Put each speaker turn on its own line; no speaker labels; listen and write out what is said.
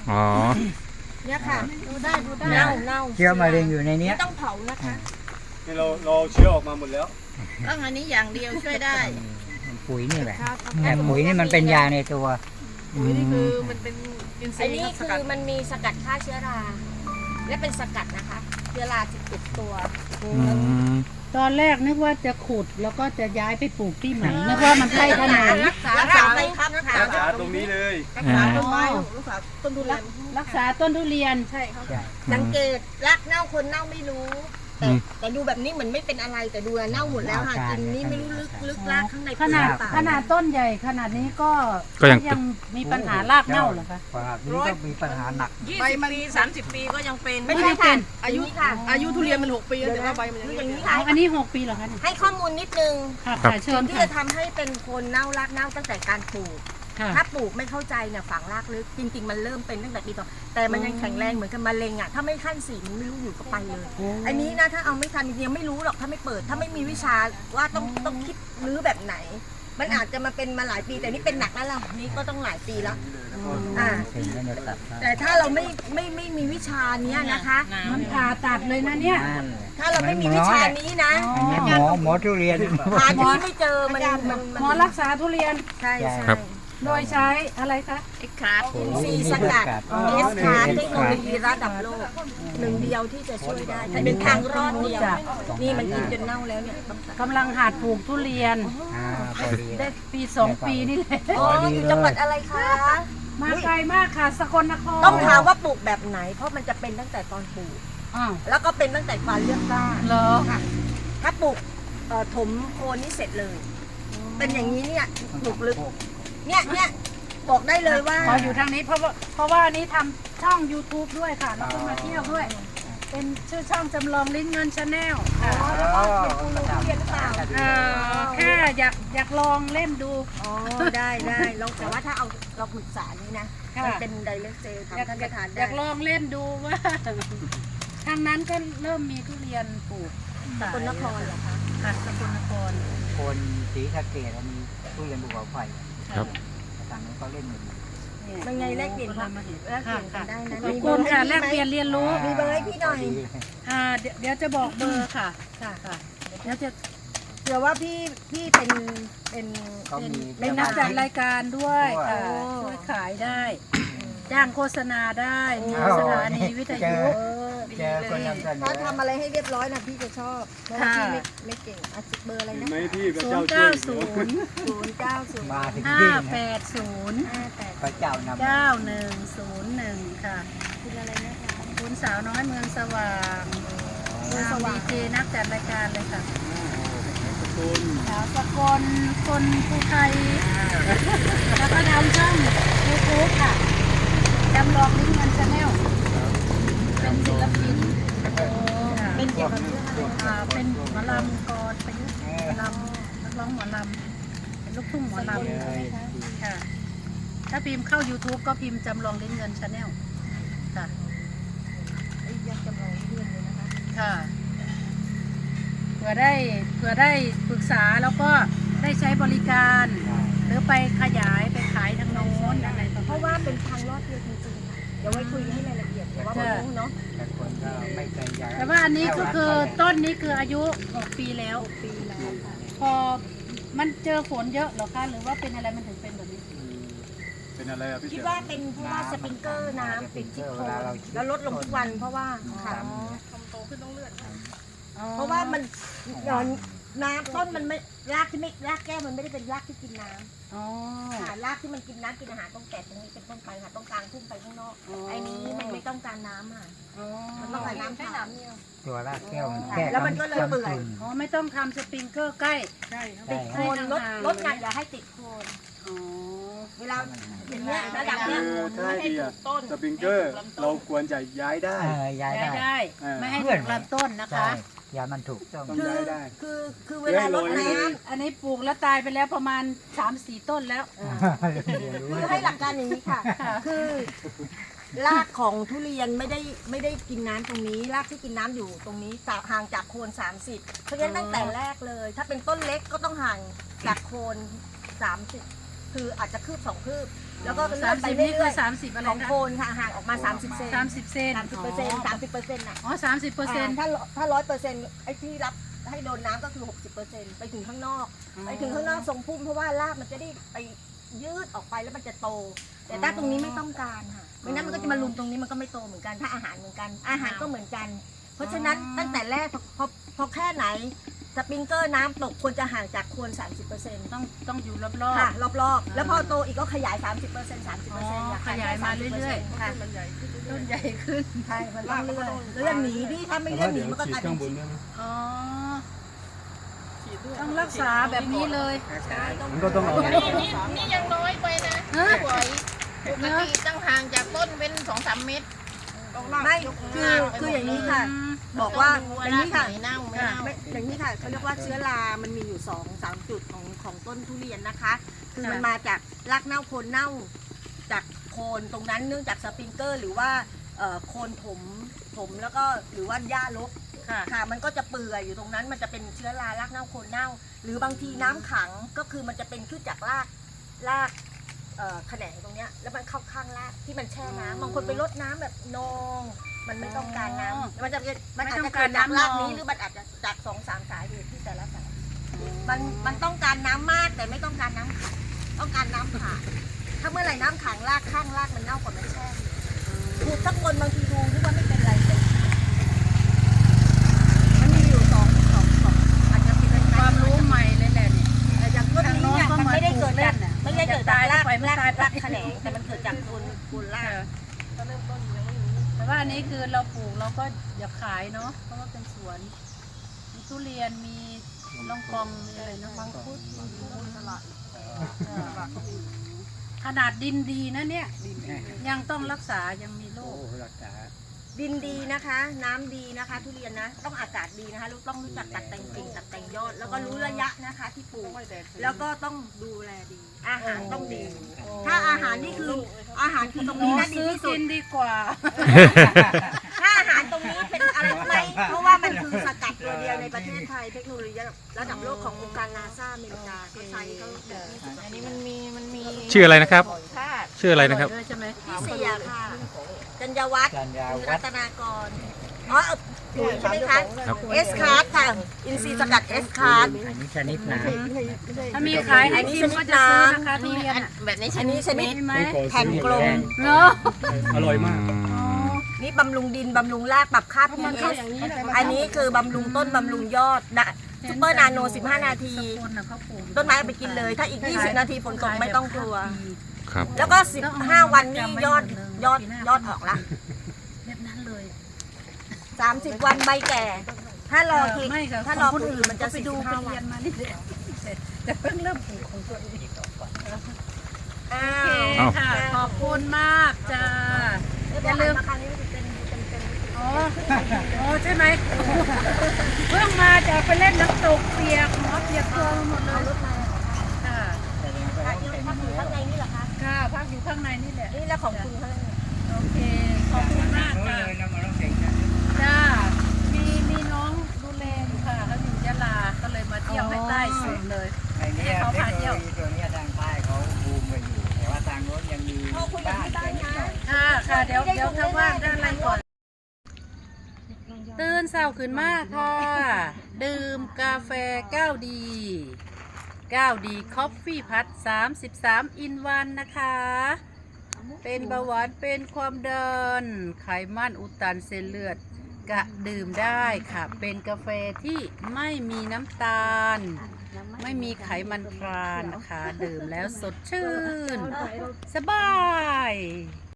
อ๋อ
เนี่ยค่ะดูได้เน่า
เชื้อมะเร็งอยู่ในนี้
ไม่ต้องเผานะคะ
นี่เราเชื้อออกมาหมดแล้ว
ต้องอันนี้อย่างเดียวช่วยได้
ปุ๋ยนี่แหละแต่ปุ๋ยนี่มันเป็นยาในตัว
ปุ๋ยนี่คือมันเป็นอินทรี
อัน
ย์
นี้
ส
คื
กัด
อมันมีสกัดฆ่าเชื้อราและเป็นสกัดนะคะเชื้อราจะติดตัว
ตอนแรกนึกว่าจะขุดแล้วก็จะย้ายไปปลูกที่ใหม่นึกว่ามันใกล้ถนน
รักษาไปครับ
รักษาตรงนี้เลย
รักษาต้นไม้รักษาต้นทุเรียน
รักษาต้นทุเรียน
ใช่ครับ
สังเกตรักเน่าคนเน่าไม่รู้แต่ดูแบบนี้เหมือนไม่เป็นอะไรแต่ดูเน่าหมดแล้วค่ะกินนี่ไม่รู้ลึกลากข้างใน
ขนาดต้นใหญ่ขนาดนี้ก็ยังมีปัญหารากเน่าเหรอคะ
ฝากนี้ก็มีปัญหาหนัก
20 ปี 30 ปีก็ยังเป็น
ไม่ใช่ค่ะ
อายุทุเรียนมัน6 ปีแล้วแต่ว่าใบมันยัง
อย่าง
ไม่
นี้ค่ะ
อันนี้6 ปีเหรอคะเนี่ย
ให้ข้อมูลนิดนึง
ค่ะเชิญ
ที่
ค่ะ
จะทำให้เป็นคนเน่ารากเน่าตั้งแต่การปลูก ถ้าปลูกไม่เข้าใจเนี่ยฝังรากลึกจริงๆมันเริ่มเป็นตั้งแต่ปีต่อแต่มันยังแข็งแรงเหมือนกับมะเร็งอ่ะถ้าไม่ขั้น4มันไม่รู้อยู่ก็ไปเลย อันนี้นะถ้าเอาไม่ทันจริงๆไม่รู้หรอกถ้าไม่เปิดถ้าไม่มีวิชาว่าต้องคิดรื้อแบบไหน มันอาจจะมาเป็นมาหลายปีแต่นี่เป็นหนักแล้วล่ะนี่ก็ต้องหลายปีแล้วแต่ถ้าเราไม่มีวิชาเนี้ยนะคะ
มันผ่าตัดเลยนะเนี่ย
ถ้าเราไม่มีวิชานี้นะ
อันนี้หมอทุเรียน
หาที่ไม่เจอมัน
หมอรักษาทุเรียน
ใช่ใช่
โดยใช้อะไรคะ
เอ็กคราฟ
อินทรีย์สกัดเอสคาร์เทคโนโลยีระดับโลกหนึ่งเดียวที่จะช่วยได้แต่เป็นทางรอดเดียวนี่มันกินจนเน่าแล้วเนี่ย
กำลังหัดปลูกทุเรียน
พอดี
ได้ปี2 ปีนี่แหละ
อ๋ออยู่จังหวัดอะไรคะ
มาไกลมากค่ะสกลนคร
ต้องถามว่าปลูกแบบไหน เพราะมันจะเป็นตั้งแต่ตอนปลูก
อ้าว
แล้วก็เป็นตั้งแต่การเลือกก้าน
เหรอ
ค่ะถ้าปลูกถมโคนนี่เสร็จเลย เป็นอย่างนี้เนี่ยปลูกลึกเนี่ยบอกได้เลยว่า
ขออยู่ทางนี้เพราะว่าอันนี้ทำช่อง YouTube ด้วยค่ะ แล้วก็มาเที่ยวด้วย เป็นชื่อช่องจำลองลิ้นเงินชาแนลค่ะ
แล้วก็เป็นกูรูทุเรียนหรือเปล่า
แค่อยากลองเล่นดู
อ๋อได้ลองแต่ว่าถ้าเอาเราปรึกษานี้นะ
ค่ะ
มันเป็นไดเรกเซล
อยาก
ทำท่านประธาน
อ
ได้
ยากลองเล่นดูว่า ทางนั้นก็เริ่มมีทุเรียนปลูก
สกลนครเหรอคะ
ค่ะสกลนคร
คนสีสะเกดมีทุเรียนภูเขาไฟ
ครับ
ต่างนั้นเขาเล่นอยู่
เป็นไงแลกเปลี่ยนความแลกเปลี่ยนกันได้นะ
ขอบคุณค่ะแลกเปลี่ยนเรียนรู้
มีเบอร์ให้พี่หน่อย
เดี๋ยวจะบอกเบอร์ค่ะค่ะเดี๋ยวจะ
เผื่อว่าพี่เป็น
เขามี
เป็นนักจัดรายการด้วยค่ะ
โอ้
ช่วยขายได้ จ้างโฆษณาได้มีสถานีวิทยุ
เจอคนนำเสน
ถ้า
อ
ทำอะไรให้เรียบร้อยนะพี่จะชอบเพราะว่าพี่ไม่เก่งเบอร์อะไร
เห็น
นะ
ไหมพี่พระ
0
เจ้าช่วย
9 0
มาถึง
5
ที่
8 0
พระเจ้านำ
9 1 0 1ค่ะ
คุณอะไรนะคะ
คุณสาวน้อยเมืองสว่างดีเจนักจัดรายการเลยค่ะ
คุณ
สาวสกลคนภูไทยแล้วก็ทำช่องยูทูบค่ะจำลองลิ้นเงินชาแนลเป็นศิลปิน
เป็นเกี่ยวกับเรื่องอะไร
เป็นหมอลำกรประยุกต์หมอลำนักร้องหมอลำเป็นลูกทุ่งหมอลำค่ะถ้าพิมพ์เข้า YouTube ก็พิมพ์จำลองลิ้นเงินชาแนลค่ะ
ยังจำลองเรื่องเลยนะคะ
ค่ะเผื่อได้ปรึกษาแล้วก็ได้ใช้บริการ หรือไปขยายไปขายทางโน้นอะไรประ
เพ
มาณ
ราะว่าเป็นทางรอดเดียวจริงๆค่ะเดี๋ยวไว้คุยกันให้รายละเอียดเดี๋ยวว่าไม่รู้เนาะ
แต่คนก็ไม่เคยอยาก
แต่ว่าอันนี้ก็คือต้นนี้คืออายุ6 ปีแล้ว
ปีแล้วค่ะ
พอมันเจอฝนเยอะเหรอคะหรือว่าเป็นอะไรมันถึงเป็นแบบนี้
เป็นอะไรอะพี่
คิด
เจ๋อ
ว่าเป็นเพราะว่าสปริงเกอร์น้ำติดที่โคนแล้วลดลงทุกวันเพราะว่าค่ะ
ทำโตขึ้นต้องเลือด
เพราะว่ามันน้ำต้นมันไม่รากที่ไม่รากแก้วมันไม่ได้เป็นรากที่กินน้ำ
อ๋อ
ค่ะรากที่มันกินน้ำกินอาหารต้องแตกตรงนี้เป็นต้นไปค่ะต้องกลางทุ่งไปข้างนอกไอ้นี้มันไม่ต้องการน้ำค่ะ
อ๋อ
มันต้องการน้ำแค่น้ำเดียว
ตัวรากแก้วมันแก้
แล้วมันก็เลยเปื่อย
อ๋อไม่ต้องทำสปริงเกอร์ใกล้
ใช่ครับ
ติดโคนลดงานอย่าให้ติดโคน
อ๋อ
เวลาอย่างเงี้ยระดับ
คื
เนี้ย
อถ้าให้ดีอะสปริงเกอร์เราควรจะย้ายได้
ย้าย
ได้
ได้
ได้ไม่ให้ถูกลำต้นนะคะ
ใช่ยามันถูกต้อง
ต้อง
คือ
ย้ายได้
คือเวลาลดน้ำ
อันนี้ปลูกแล้วตายไปแล้วประมาณ 3-4 ต้นแล้ว
คือให้หลักการอย่างนี้ค่ะ คือรากของทุเรียนไม่ได้กินน้ำตรงนี้ รากที่กินน้ำอยู่ตรงนี้ห่างจากโคน30เพราะฉะนั้นตั้งแต่แรกเลย ถ้าเป็นต้นเล็กก็ต้องห่างจากโคน30 คืออาจจะคืบ2 คืบ แล้วก็เลื่
สา
อ
ม
นไป
สิบนี่
เรื่
คือ
อย
30อะไร
ๆของ
นะ
โคนค่ะห่างออกมา30 เซน
30 เซน
30%น่ะ
อ๋อ30%
ถ้า100%ไอ้ที่รับให้โดนน้ำก็คือ 60%ไปถึงข้างนอก ไปถึงข้างนอกทรงพุ่มเพราะว่ารากมันจะได้ไปยืดออกไปแล้วมันจะโต แต่ถ้าตรงนี้ไม่ต้องการค่ะไม่งั้นมันก็จะมาลุมตรงนี้มันก็ไม่โตเหมือนกันถ้าอาหารเหมือนกัน อาหารก็เหมือนกัน เพราะฉะนั้นตั้งแต่แรกพอแค่ไหนสปริงเกอร์น้ำตกควรจะห่างจากโคน 30%
ต้องอยู่รอบ
ค่ะรอบๆแล้วพอโตอีกก็ขยาย 30%
ขยายมาเรื่อย
ๆค่ะ
มันใหญ่ขึ้น
ๆต้นใหญ่ขึ้น
ใช่มันต้องเลื่อนหนีดิถ้าไม่เลื่อนหนีมันก็กลายเป็น
อ๋อ
ฉีดด้วย
ต้องรักษาแบบนี้เลย
มันก็ต้องเอา
นี่ยังน้อยไปนะ
ฮะ
สวยปกติต้องห่างจากต้นเป็น2-3 เมตร
ไม่คืออย่างนี้ค่ะ บอกว่าอย่างนี้ค่ะ
เน่าไม่เน่า
ไม่อย่างนี้ค่ะเขาเรียกว่าเชื้อรามันมีอยู่2-3 จุดของต้นทุเรียนนะคะ คือมันมาจากรากเน่าโคนเน่าจากโคนตรงนั้นเนื่องจากสปริงเกอร์หรือว่าโคนถมแล้วก็หรือว่าหญ้ารก
ค่ะ
ค่ะมันก็จะเปื่อยอยู่ตรงนั้นมันจะเป็นเชื้อรารากเน่าโคนเน่า หรือบางทีน้ำขังก็คือมันจะเป็นขึ้นจากรากแขนงตรงเนี้ยแล้วมันเข้าข้างรากที่มันแช่น้ำบางคนไปรดน้ำแบบนองมันไม่ต้องการน้ำมันอาจจะเกิดจากรากนี้หรือมันอาจจะจาก2-3 สาเหตุที่แต่ละสาเหตุมันต้องการน้ำมากแต่ไม่ต้องการน้ำขังต้องการน้ำผ่านถ้าเมื่อไหร่น้ำขังรากข้างรากมันเน่ากว่ามันแช่ขูดสักคนบางทีดูนึกว่าไม่เป็นไรแต่มันมีอยู่สองอาจจะเป็น
ความรู้ใหม่เลยแหละนี่
อย่างต้นนี้เนี่ย
ทางโน้นก็
มันไม่ได้เกิด
เหมือน
จาก
กันน่ะ
ไม่ได้เกิดจากราก
ไม่ตาย
รากแขนงแต่มันเกิดจากโคนราก
ก็เริ่มต้นยังไม่รู้
แต่ว่าอันนี้คือเราปลูกเราก็อยากขายเนาะเพราะว่าเป็นสวน มีทุเรียนมีลองกองมีอะไรเนาะมังคุดตลาดขนาดดินดีนะเนี่ย ยังต้องรักษายังมีโร
โอ้
ค
รักษา
ดินดีนะคะ น้ำดีนะคะ ทุเรียนนะ ต้องอากาศดีนะคะต้องรู้จักตัดแต่งกิ่งตัดแต่งยอด แล้วก็รู้ระยะนะคะที่ปลูก แล้วก็ต้องดูแลดี อาหารต้องดี ถ้าอาหารนี่คืออาหารคือตรงนี้นะดี
ซื้อ
ที่สุ
กิ
ด
นดีกว่า
ถ้าอาหารตรงนี้เป็นอะไรรู้ไหมเพราะว่ามันคือสกัดตัวเดียวในประเทศไทยเทคโนโลยีระดับโลกขององค์การนาซาอเมริกาเขาใช้เขาแบบนี้
อันนี้มันมี
ชื่ออะไรนะครับ
ธาตุ
ชื่ออะไรนะครับ
ด้วยใช่ไหม
ที่เสียค่ะจัญญวัฒน์
จันยา
คุณ
วั
รั
ด
ตนากรปุ๋ยใช่ไหมคะ
ครับ
เอสคาร์ดค่ะ อินทรีย์สกัดเอสคาร์ด
อันนี้ชนิดน้
ถ้ามีขายให้พิมพ์ก็จะซื้อนะคะทุเรียนอะ
แบบนี้
อันนี้ชนิด
มีไหม
แผ่นกลม
เนาะ
อร่อยมาก
นี่บำรุงดิน บำรุงรากปรับค่า pH อันนี้คือบำรุงต้น บำรุงยอดนะซุปเปอร์นาโน 15 นาที
คนน่ะเขาปลูก
ต้นไม้เอาไปกินเลย ถ้าอีก 20 นาทีฝนตกไม่ต้องกลัว
ครับ
แล้วก็ 15 วันนี่ยอดออกละ
แบบนั้นเลย
30 วันใบแก่ ถ้ารอที
ไม่ค่ะ
ถ้ารอ
ขง
คนอื่นมันจะ
ไปดูไป
45 วั
เรีย
น
นมานี่แต่เพิ่งเริ่มปลูกของตัวเอง
อ้า
โอเคว ค่ะ ขอบคุณมากจ้า อย่าลืม
คราวนี้มันจะเป็นเต็ม
อ๋ออ๋อใช่ไหมเพิ่งมาจากไปเล่นน้ำตกเปียกหมอเปียกตัวหมดเลย
รถมา
ค่ะ
พักอยู่ข้างในนี่เหรอคะ
ค่ะพักอยู่ข้างในนี่แหละ
นี่แล้วของคุณเขาเนี่ย
โอเค ขอบคุณมาก
ำ
ค่ะ
เลยน้ำมันต้องเก่งนะ
จ้า มีน้องดูแลอยู่ค่ะเขาอยู่ยะลา ก็เลยมาเที่ยวให้ใต้สุดเลย
ไอ้เนี่ย
เขา
เทค
พา
โน
เที่ยว
โลยีตัวเนี้ยทางใต้เขาบูมกันอยู่ แต่ว่าทางโน้นยังมี
พ่อคุยกับ
บ้าน
ที่บ้าน
นิด
นะ
หน่อย
ค่ะค่ะเดี๋ยวถ้าว่างด้านอะไรก่อน ตื่นเช้าขึ้นมากค่ะ ดื่มกาแฟ9ดี9ดีคอฟฟี่พัด33อินวันนะคะ เป็นเบาหวานเป็นความดันไขมันอุดตันเส้นเลือดกะดื่มได้ค่ะ เป็นกาแฟที่ไม่มีน้ำตาล ไม่มีไขมันทรานนะคะ ดื่มแล้วสดชื่น สบาย